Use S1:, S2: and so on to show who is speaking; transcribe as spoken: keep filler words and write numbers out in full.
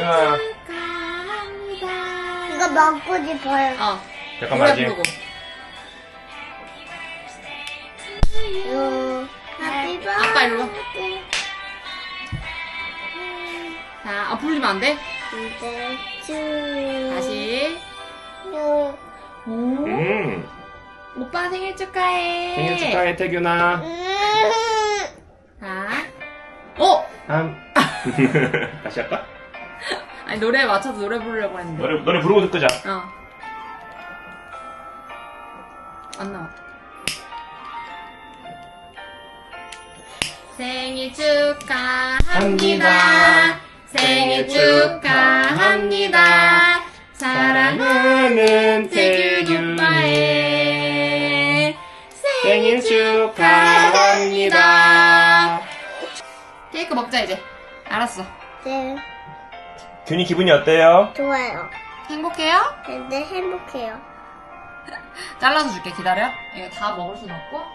S1: 태균아.
S2: 이거 먹고 싶어요.
S3: 어.
S1: 잠깐만,
S3: 노래
S1: 아직.
S3: 부르고.
S2: 요, 하피
S3: 아빠 일로 와.
S2: 버스데이.
S3: 자, 아, 부르면 안 돼?
S2: 근데 쭈.
S3: 다시.
S2: 요.
S3: 오.
S1: 음.
S3: 오빠 생일 축하해.
S1: 생일 축하해, 태균아.
S2: 음.
S3: 자. 어!
S1: 한. 다시 할까?
S3: 아니, 노래에 맞춰서 노래 부르려고 했는데.
S1: 노래, 노래 부르고 듣자.
S3: 어. 안 나와. 생일 축하합니다. 생일 축하합니다. 사랑하는 태균 오빠의 생일 축하합니다. 케이크 먹자, 이제. 알았어.
S2: 네,
S1: 균이 기분이 어때요?
S2: 좋아요.
S3: 행복해요?
S2: 근데 행복해요.
S3: 잘라서 줄게. 기다려. 이거 다 먹을 순 없고.